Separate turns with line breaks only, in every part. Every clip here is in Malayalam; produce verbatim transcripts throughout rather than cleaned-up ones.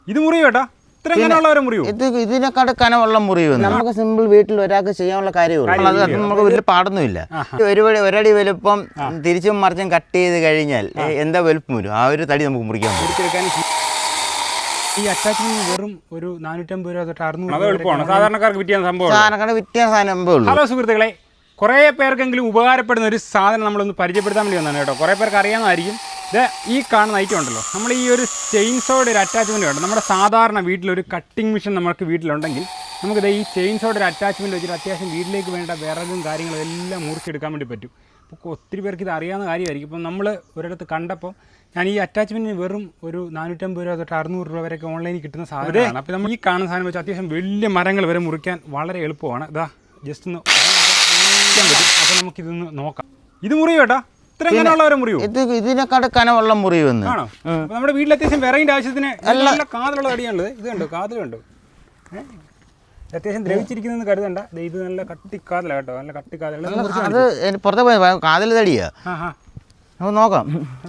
ഇത് മുറിയോ ഏട്ടാ? ഇത്രയും മുറിയോ?
ഇത് ഇതിനെക്കാട് കനമുള്ള മുറിവ് നമുക്ക് സിമ്പിൾ വീട്ടിൽ ഒരാൾക്ക് ചെയ്യാനുള്ള കാര്യമുള്ളൂ. അത് നമുക്ക് വലിയ പാടൊന്നുമില്ല. ഒരു ഒരടി വലുപ്പം തിരിച്ചും മറിച്ചും കട്ട് ചെയ്ത് കഴിഞ്ഞാൽ എന്താ വലുപ്പം വരും, ആ ഒരു തടി നമുക്ക് മുറിക്കാൻ പറ്റും.
ഈ അറ്റാച്ച്മെന്റ് വെറും ഒരു നാനൂറ്റമ്പത് രൂപ തൊട്ട് അറുന്നൂറ് എളുപ്പമാണ് സാധാരണക്കാർക്ക് വിറ്റിയ സംഭവം.
സാധാരണക്കാർക്ക് വിറ്റിയ സംഭവം ഉള്ളൂ.
ഹലോ സുഹൃത്തുക്കളെ, കുറേ പേർക്കെങ്കിലും ഉപകാരപ്പെടുന്ന ഒരു സാധനം നമ്മളൊന്ന് പരിചയപ്പെടുത്താൻ വേണ്ടി വന്നതാണ് കേട്ടോ. കുറേ പേർക്ക് അറിയാവുന്നതായിരിക്കും. ഇത് ഈ കാണുന്ന ഐറ്റം ഉണ്ടല്ലോ, നമ്മൾ ഈ ഒരു ചെയിൻസോയുടെ ഒരു അറ്റാച്ച്മെൻറ്റ് ഉണ്ട്. നമ്മുടെ സാധാരണ വീട്ടിലൊരു കട്ടിംഗ് മെഷീൻ നമുക്ക് വീട്ടിലുണ്ടെങ്കിൽ നമുക്കിത് ഈ ചെയിൻസോയുടെ ഒരു അറ്റാച്ച്മെൻറ്റ് വെച്ചിട്ട് അത്യാവശ്യം വീട്ടിലേക്ക് വേണ്ട വിറകും കാര്യങ്ങളും എല്ലാം മുറിച്ചെടുക്കാൻ വേണ്ടി പറ്റും. അപ്പോൾ ഒത്തിരി പേർക്ക് ഇത് അറിയാവുന്ന കാര്യമായിരിക്കും. ഇപ്പം നമ്മൾ ഒരിടത്ത് കണ്ടപ്പോൾ ഞാൻ ഈ അറ്റാച്ച്മെൻറ്റിന് വെറും ഒരു നാനൂറ്റമ്പത് രൂപ തൊട്ട് അറുന്നൂറ് രൂപ വരെയൊക്കെ ഓൺലൈനിൽ കിട്ടുന്ന സാധനമാണ്. അപ്പോൾ നമ്മൾ ഈ കാണുന്ന സാധനം വെച്ച് അത്യാവശ്യം വലിയ മരങ്ങൾ വരെ മുറിക്കാൻ വളരെ എളുപ്പമാണ്. ഇതാ ജസ്റ്റ് ഒന്ന് പറ്റും. അപ്പോൾ നമുക്കിതൊന്ന് നോക്കാം. ഇത് മുറിയോ ഏട്ടാ?
ഇത് ഇതിനെക്കാട് കനമുള്ള മുറിവ്
ആണോ? നമ്മുടെ വീട്ടിൽ അത്യാവശ്യം വിറകിന്റെ ആവശ്യത്തിന് നല്ല കാതിലുള്ള തടിയാണുള്ളത്. ഇത് കണ്ടോ, കാതിലുണ്ട്. അത്യാവശ്യം ദ്രവിച്ചിരിക്കുന്ന കരുതണ്ട. ഇത് നല്ല കട്ടിക്കാതല കേട്ടോ, നല്ല കട്ടിക്കാതല.
അത് പുറത്തെ പോയി കാതിൽ തടിയാ. നമുക്ക് നോക്കാം.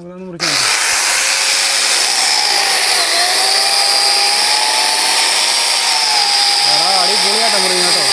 അടിപൊളിയായിട്ടാ മുറിയും കേട്ടോ.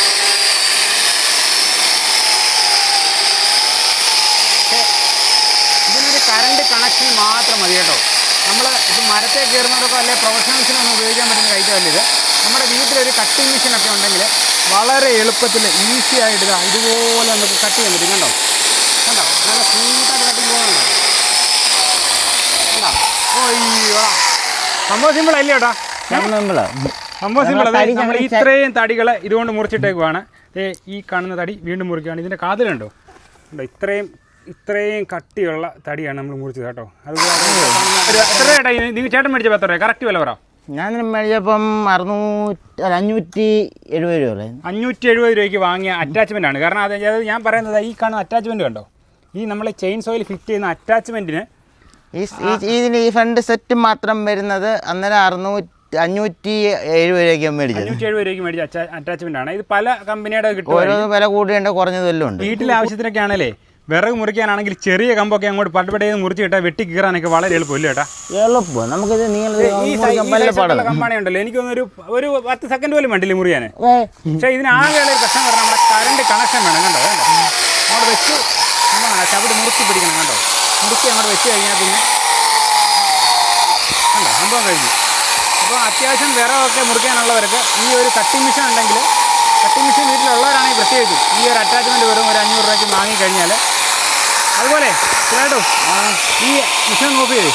ഇതിനൊരു കറണ്ട് കണക്ഷൻ മാത്രം മതി കേട്ടോ. നമ്മൾ ഇത് മരത്തെ കയറുന്നവരൊക്കെ അല്ലെങ്കിൽ പ്രൊഫഷണൽസിനൊന്നും ഉപയോഗിക്കാൻ പറ്റുന്ന ഐറ്റമല്ല ഇത്. നമ്മുടെ വീട്ടിലൊരു കട്ടിംഗ് മെഷീനൊക്കെ ഉണ്ടെങ്കിൽ വളരെ എളുപ്പത്തിൽ ഈസി ആയിട്ട് ഇതാ ഇതുപോലെ നമുക്ക് കട്ട് ചെയ്യാൻ പറ്റും. കണ്ടോ കണ്ടോ, നല്ല സ്മൂത്തായിട്ട് കട്ടിങ് പോകുന്നുണ്ടോ? കണ്ടോ? ഓയ്യോ, സംഭവം സിമ്പിൾ അല്ലേ കേട്ടോ? സംഭവം സിമ്പിൾ. അതായത് നമ്മൾ ഇത്രയും തടികൾ ഇതുകൊണ്ട് മുറിച്ചിട്ടേക്കുവാണ്. ഈ കാണുന്ന തടി വീണ്ടും മുറിക്കുകയാണ്. ഇതിൻ്റെ കാതിലുണ്ടോ ഉണ്ടോ? ഇത്രയും ഇത്രയും കട്ടിയുള്ള തടിയാണ് നമ്മൾ മുറിച്ചത് കേട്ടോ. അതുപോലെ എത്ര ചേട്ടാ നിങ്ങൾ ചേട്ടൻ മേടിച്ചപ്പോൾ എത്ര രൂപ കറക്റ്റ് വില പറ?
ഞാൻ മേടിച്ചപ്പം അറുന്നൂറ്റി അഞ്ഞൂറ്റി എഴുപത് രൂപ
അഞ്ഞൂറ്റി എഴുപത് രൂപയ്ക്ക് വാങ്ങിയ അറ്റാച്ച്മെൻ്റ് ആണ്. കാരണം അത് ഞാൻ പറയുന്നത് ഈ കാണുന്ന അറ്റാച്ച്മെൻറ്റ് കണ്ടോ, ഈ നമ്മൾ ചെയിൻ സോയിൽ ഫിറ്റ് ചെയ്യുന്ന അറ്റാച്ച്മെൻറ്റിന്
ഈ ഇതിന് ഈ ഫ്രണ്ട് സെറ്റ് മാത്രം വരുന്നത് അന്നേരം അറുന്നൂറ്റി അഞ്ഞൂറ്റി എഴുപത് രൂപയ്ക്ക് മേടിച്ചത്.
അഞ്ഞൂറ്റി എഴുപത് രൂപയ്ക്ക് മേടിച്ച അറ്റാച്ച്മെൻ്റ് ആണ്. ഇത് പല കമ്പനിയുടെ കിട്ടും.
ഓരോ വില കൂടിയുണ്ട്, കുറഞ്ഞതെല്ലാം ഉണ്ട്.
വീട്ടിലെ ആവശ്യത്തിനൊക്കെ ആണല്ലേ, വിറക് മുറിക്കാനാണെങ്കിൽ ചെറിയ കമ്പൊക്കെ അങ്ങോട്ട് പട്ടപ്പടയിൽ മുറിച്ച് കിട്ടാൻ വെട്ടി കീറാനൊക്കെ വളരെ എളുപ്പമില്ല കേട്ടാ.
എളുപ്പം നമുക്കിത്
കമ്പാണി ഉണ്ടല്ലോ, എനിക്കൊന്നൊരു ഒരു പത്ത് സെക്കൻഡ് പോലും വേണ്ടില്ല മുറിയാൻ. പക്ഷേ ഇതിനാകെയുള്ള ഒരു പ്രശ്നം പറഞ്ഞാൽ നമ്മുടെ കറണ്ട് കണക്ഷൻ വേണം. കണ്ടോ വേണ്ട അങ്ങോട്ട് വെച്ച് എന്താണ് ചവിടി മുറുക്കി പിടിക്കണം. കണ്ടോ മുറുക്കി അങ്ങോട്ട് വെച്ച് കഴിഞ്ഞാൽ പിന്നെ കണ്ടോ സംഭവം കഴിഞ്ഞു. അപ്പോൾ അത്യാവശ്യം വിറകൊക്കെ മുറിക്കാനുള്ളവർക്ക് ഈ ഒരു കട്ടിംഗ് മെഷീൻ ഉണ്ടെങ്കിൽ, കട്ടിംഗ് മെഷീൻ വീട്ടിലുള്ളവരാണെങ്കിൽ പ്രത്യേകിച്ചും ഈ ഒരു അറ്റാച്ച്മെൻറ്റ് വെറും ഒരു അഞ്ഞൂറ് രൂപയ്ക്ക് വാങ്ങിക്കഴിഞ്ഞാൽ, അതുപോലെ കേട്ടോ ഈ മെഷീൻ നോക്കിയേ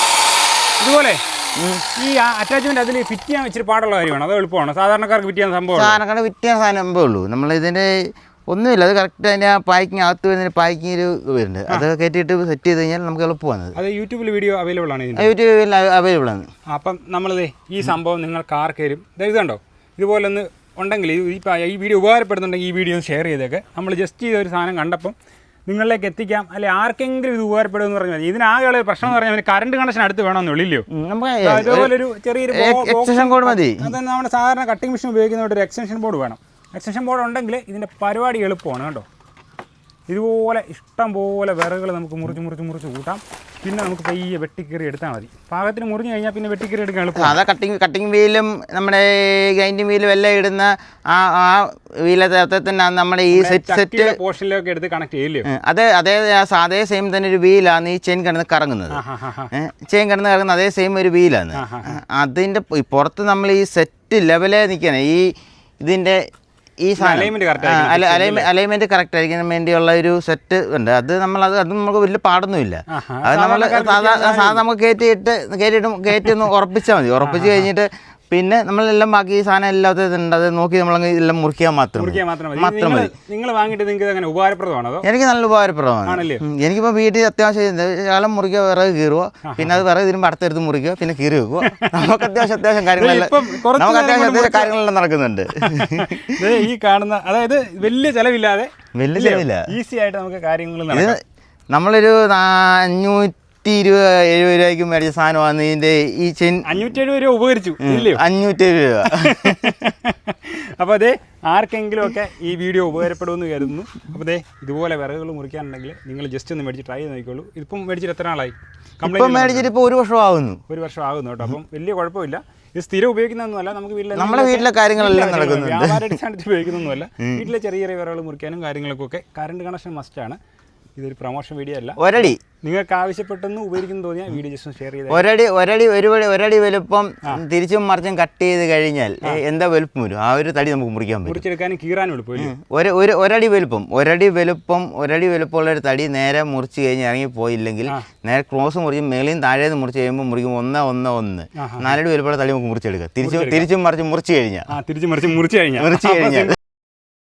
ഇതുപോലെ ഈ അറ്റാച്ച്മെൻറ്റ് അതിൽ ഫിറ്റ് ചെയ്യാൻ വെച്ചിട്ട് പാടുള്ള കാര്യമാണ്. അത് എളുപ്പമാണ് സാധാരണക്കാർക്ക് ഫിറ്റ് ചെയ്യാൻ സംഭവം.
സാധാരണക്കാർക്ക് ഫിറ്റ് ചെയ്യാൻ സംഭവമേ ഉള്ളൂ. നമ്മളിതിൻ്റെ ഒന്നുമില്ല, അത് കറക്റ്റ് അതിൻ്റെ ആ പാക്കിങ് അകത്ത് വരുന്നതിന് പാക്കിങ് ഒരു വരുന്നുണ്ട്. അത് കയറ്റിയിട്ട് സെറ്റ് ചെയ്ത് കഴിഞ്ഞാൽ നമുക്ക് എളുപ്പമാണ്.
അത് യൂട്യൂബിൽ വീഡിയോ അവൈലബിൾ ആണ്.
യൂട്യൂബിൽ അവൈലബിൾ ആണ്.
അപ്പം നമ്മളിത് ഈ സംഭവം നിങ്ങൾക്ക് ആർക്കേലും ഇതുണ്ടോ ഇതുപോലെ ഒന്ന് ഉണ്ടെങ്കിൽ ഇപ്പോൾ ഈ വീഡിയോ ഉപകാരപ്പെടുന്നുണ്ടെങ്കിൽ ഈ വീഡിയോ ഒന്ന് ഷെയർ ചെയ്തേക്ക്. നമ്മൾ ജസ്റ്റ് ചെയ്തൊരു സാധനം കണ്ടപ്പം നിങ്ങളിലേക്ക് എത്തിക്കാം, അല്ലെ ആർക്കെങ്കിലും ഇത് ഉപകാരപ്പെടുമെന്ന് പറഞ്ഞാൽ മതി. ഇതിനാകെയുള്ള പ്രശ്നം എന്ന് പറഞ്ഞാൽ കറണ്ട് കണക്ഷൻ അടുത്ത് വേണമെന്നുള്ളില്ലോ. അതുപോലെ ഒരു ചെറിയൊരു
എക്സ്റ്റൻഷൻ ബോർഡ് മതി.
അത് നമ്മുടെ സാധാരണ കട്ടിംഗ് മെഷീൻ ഉപയോഗിക്കുന്നതുകൊണ്ട് ഒരു എക്സ്റ്റൻഷൻ ബോർഡ് വേണം. എക്സ്റ്റൻഷൻ ബോർഡ് ഉണ്ടെങ്കിൽ ഇതിൻ്റെ പരിപാടി എളുപ്പമാണ് കേട്ടോ. ഇതുപോലെ ഇഷ്ടം പോലെ വിറകുകൾ നമുക്ക് മുറിച്ച് മുറിച്ച് മുറിച്ച് കൂട്ടാം. പിന്നെ നമുക്ക് പയ്യെ വെട്ടിക്കറി എടുത്താൽ മതി. പാകത്തിന് മുറിഞ്ഞു കഴിഞ്ഞാൽ പിന്നെ വെട്ടിക്കറി എടുക്കാൻ എളുപ്പം.
അതാ കട്ടിങ് കട്ടിങ് വീലും നമ്മുടെ ഗ്രൈൻഡിങ് വീലും എല്ലാം ഇടുന്ന ആ ആ വീലത്തെ തന്നെ നമ്മുടെ ഈ സെറ്റ് സെറ്റ്
പോർഷനിലൊക്കെ എടുത്ത് കണക്ട് ചെയ്യില്ലേ?
അതെ അതേ അതേ സെയിം തന്നെ ഒരു വീലാണ് ഈ ചെയിൻ കിടന്ന് കറങ്ങുന്നത്. ചെയിൻ കിടന്ന് കറങ്ങുന്നത് അതേ സെയിം ഒരു വീലാണ്. അതിൻ്റെ പുറത്ത് നമ്മൾ ഈ സെറ്റ് ലെവലേ നിൽക്കണം. ഈ ഇതിൻ്റെ ഈ അലൈൻമെന്റ് കറക്റ്റ് ആയിരിക്കാൻ വേണ്ടിയുള്ള ഒരു സെറ്റ് ഉണ്ട്. അത് നമ്മൾ അത് അത് നമുക്ക് വലിയ പാടൊന്നുമില്ല. അത് നമ്മൾ സാധാ സാധാ നമുക്ക് കയറ്റിയിട്ട് കയറ്റിയിട്ട് കയറ്റി ഒന്ന് ഉറപ്പിച്ചാൽ മതി. ഉറപ്പിച്ച് കഴിഞ്ഞിട്ട് പിന്നെ നമ്മളെല്ലാം ബാക്കി സാധനം എല്ലാത്തുണ്ട്, അത് നോക്കി നമ്മളങ്ങ് എല്ലാം മുറിക്കാൻ മാത്രം മാത്രം മതി.
നിങ്ങൾ വാങ്ങിയിട്ട് നിങ്ങൾക്ക് അങ്ങനെ ഉപകാരപ്രദമാണോ?
എനിക്ക് നല്ല ഉപകാരപ്രദമാണ്. എനിക്കിപ്പോൾ വീട്ടിൽ അത്യാവശ്യം കാലം മുറിക്കുക, വിറക് കീറുക, പിന്നെ അത് വിറക് ഇതിനും അടുത്തെടുത്ത് മുറിക്കുക, പിന്നെ കീറി വെക്കുക. നമുക്ക് അത്യാവശ്യം അത്യാവശ്യം കാര്യങ്ങളെല്ലാം നമുക്ക് അത്യാവശ്യം അത്യാവശ്യം കാര്യങ്ങളെല്ലാം നടക്കുന്നുണ്ട്.
ഈ കാണുന്ന അതായത് വലിയ ചെലവില്ലാതെ
വലിയ ചെലവില്ല,
ഈസി ആയിട്ട് നമുക്ക് കാര്യങ്ങൾ
നമ്മളൊരു അഞ്ഞൂറ്റി ഇരുപത് എഴുപത് രൂപയ്ക്ക് മേടിച്ച സാധനമാണ് ഇതിന്റെ ഈ ചെയിൻ.
അഞ്ഞൂറ്റി എഴുപത് രൂപ ഉപകരിച്ചു
അഞ്ഞൂറ്റി എഴുപത് രൂപ.
അപ്പോൾ അതെ ആർക്കെങ്കിലും ഒക്കെ ഈ വീഡിയോ ഉപകാരപ്പെടുമെന്ന് കരുതുന്നു. അപ്പോൾ അതെ ഇതുപോലെ വിറകുകൾ മുറിക്കാനുണ്ടെങ്കിൽ നിങ്ങൾ ജസ്റ്റ് ഒന്ന് മേടിച്ച് ട്രൈ ചെയ്ത് നോക്കിക്കോളൂ. ഇതിപ്പം മേടിച്ചിട്ട് എത്ര നാളായി?
ഇപ്പം മേടിച്ചിട്ട് ഇപ്പോൾ ഒരു വർഷം ആകുന്നു
ഒരു വർഷം ആകുന്നു കേട്ടോ. അപ്പം വലിയ കുഴപ്പമില്ല. ഇത് സ്ഥിരം ഉപയോഗിക്കുന്നതൊന്നുമല്ല, നമുക്ക് വീട്ടിലെ
നമ്മുടെ വീട്ടിലെ കാര്യങ്ങളെല്ലാം നടക്കുന്നുണ്ട്.
വ്യാപാര അടിസ്ഥാനത്തിൽ ഉപയോഗിക്കുന്നൊന്നുമല്ല, വീട്ടിലെ ചെറിയ ചെറിയ വിറകൾ മുറിക്കാനും കാര്യങ്ങൾക്കൊക്കെ കറണ്ട് കണക്ഷൻ മസ്റ്റാണ്. ഇതൊരു പ്രൊമോഷൻ വീഡിയോ അല്ല.
ഒരടി
നിങ്ങൾക്ക് ആവശ്യപ്പെട്ടെന്ന് ഉപയോഗിക്കുന്നു തോന്നിയാൽ വീഡിയോ ജസ്റ്റ് ഷെയർ ചെയ്ത്.
ഒരടി ഒരടി ഒരു ഒരടി വലുപ്പം തിരിച്ചും മറിച്ചും കട്ട് ചെയ്ത് കഴിഞ്ഞാൽ എന്താ വലുപ്പം വരും, ആ ഒരു തടി നമുക്ക് മുറിക്കാൻ പറ്റും.
മുറിച്ചെടുക്കാനും കീറാനും എളുപ്പമില്ല.
ഒരു ഒരു ഒരടി വലുപ്പം ഒരടി വലുപ്പം ഒരടി വലുപ്പമുള്ള ഒരു തടി നേരെ മുറിച്ച് കഴിഞ്ഞ് ഇറങ്ങി പോയില്ലെങ്കിൽ നേരെ ക്രോസ് മുറിച്ച് മേളിയും താഴേന്ന് മുറിച്ച് കഴിയുമ്പോൾ മുറിക്കും ഒന്ന് ഒന്ന് ഒന്ന് നാലടി വലുപ്പമുള്ള തടി നമുക്ക് മുറിച്ചെടുക്കാം. തിരിച്ചും തിരിച്ചും മറിച്ച് മുറിച്ച് കഴിഞ്ഞാൽ
തിരിച്ചും മറിച്ച് മുറിച്ച് കഴിഞ്ഞാൽ
മുറിച്ച് കഴിഞ്ഞാൽ